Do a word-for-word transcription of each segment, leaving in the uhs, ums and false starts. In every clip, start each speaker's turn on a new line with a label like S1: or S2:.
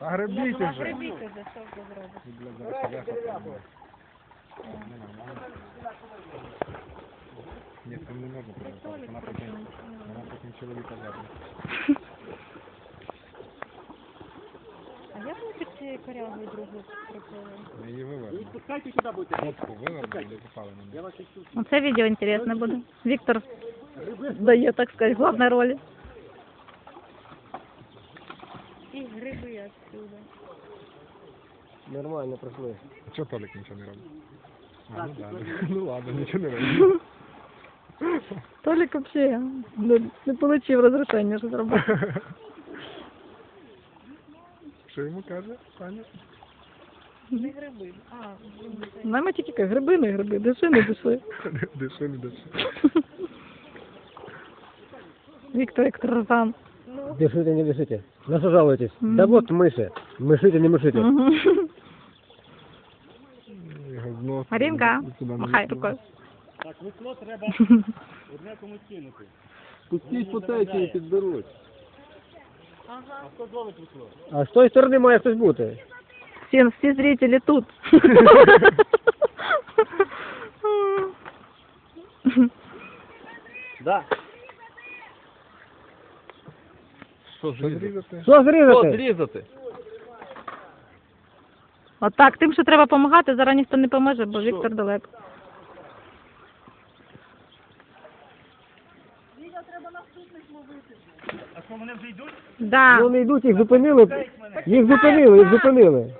S1: А гребіть уже.
S2: Гребіть уже, що ви зробите?
S1: Ні, це не можна приготувати. Вона потім, вона потім чоловіка забере.
S2: А як ми під цією корягою другу прикрили?
S1: Ми її вивернемо.
S3: Пускайте сюда будете.
S1: Лодку вивернемо і запали на
S3: Я
S1: неї.
S3: вас чувствую.
S4: Оце відео інтересне буде. Віктор дає, так сказати, головні ролі.
S2: І гриби отсюда.
S3: Нормально пройшли.
S1: А чого Толік нічого не робить? А, ну, да. Ну ладно, нічого не робить.
S4: Толік взагалі не, не отримав розрішення, що зробити.
S1: Що йому каже, Саня?
S2: Не гриби. А,
S4: Нам тільки кажуть, гриби, не гриби, диши, не диши.
S1: Диши, не диши.
S4: Віктор як тарзан.
S3: Дышите, не дышите. На что жалуетесь?
S4: Мгм.
S3: Да вот мыши. Мышите, не мышите.
S4: Мгм.
S1: Його знос.
S4: Марінка,
S1: Сюди не
S4: махай
S1: відкривай.
S4: рукою.
S3: Так, весло треба одне комусь кинути. Пустіть по течії підберуть.
S2: ага.
S3: А хто зловить весло? А з тої сторони має хтось бути.
S4: Всі, всі зрителі тут.
S3: Да.
S1: Що зрізати?
S3: Що зрізати?
S5: Зрізати.
S4: Отак, тим, що треба допомагати, зараз ніхто не поможе, бо Віктор далеко.
S3: А що, вони вже йдуть?
S4: Да.
S3: Вони йдуть, їх зупинили. Їх зупинили, їх зупинили.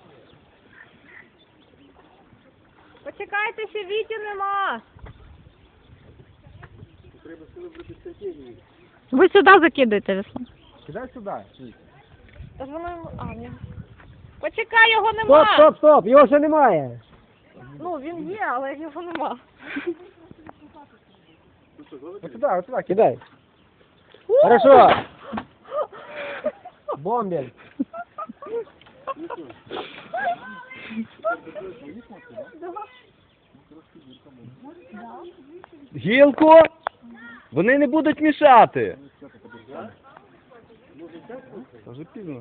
S2: Почекайте, ще Віті нема.
S4: Ви сюди закидуєте весло.
S1: Кидай сюди.
S2: Та ж воно йому... А, ні. Почекай, його
S3: Стоп,
S2: нема.
S3: стоп, стоп, його ще немає.
S2: Ну, він є, але його нема.
S1: Ось сюди, ось сюди.
S3: Кидай. Хорошо. Бомбель.
S5: Гілку! Вони не будуть мішати. Це вже пізно.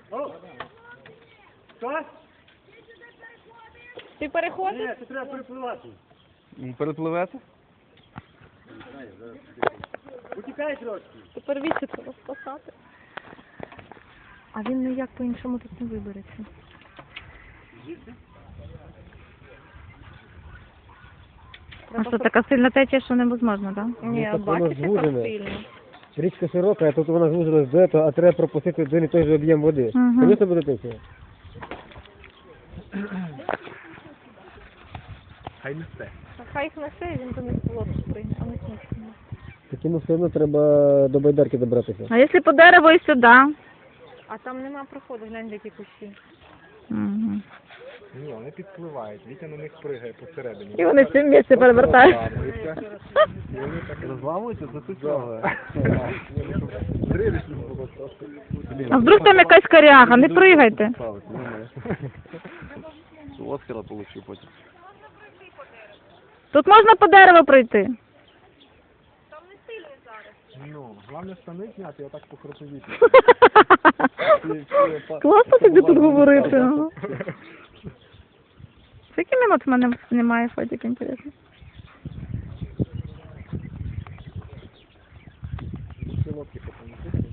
S2: Ти переходиш?
S3: Ні, це треба перепливати.
S5: Перепливете?
S3: Утікай трошки.
S2: Тепер Віті треба спасати.
S4: А він ніяк по-іншому тут не вибереться. А що, така сильна течія, що неможливо, так?
S2: Ні,
S3: так воно
S2: бачиш, яка
S3: звужене.
S2: сильна.
S3: Річка широка, а тут вона звузилась до этого, а треба пропустити один і той же об'єм води.
S4: Мгм.
S3: Звісно, буде течія.
S1: Хай несе.
S2: Та хай їх несе, він до них в лодку прийде, а не смішно.
S3: Так йому все одно треба до байдарки добратися.
S4: А якщо по дереву і сюди?
S2: А там нема проходу, глянь, які кущі.
S4: Угу.
S1: Ні, вони підпливають. Вітя на них пригає посередині.
S4: І вони всі місці перевертають.
S1: І вони так
S5: Розламуються, це тут цього.
S1: зрелищно було просто.
S4: А вдруг там якась коряга, не пригайте.
S5: Оскара получу потім.
S4: Тут можна по дереву пройти.
S1: Ну, головне штани зняти, я так по хротовіті.
S4: Класно тобі тут говорити. ага. Скільки минут в мене немає фотик, інтересно?
S1: Всі лодки потім.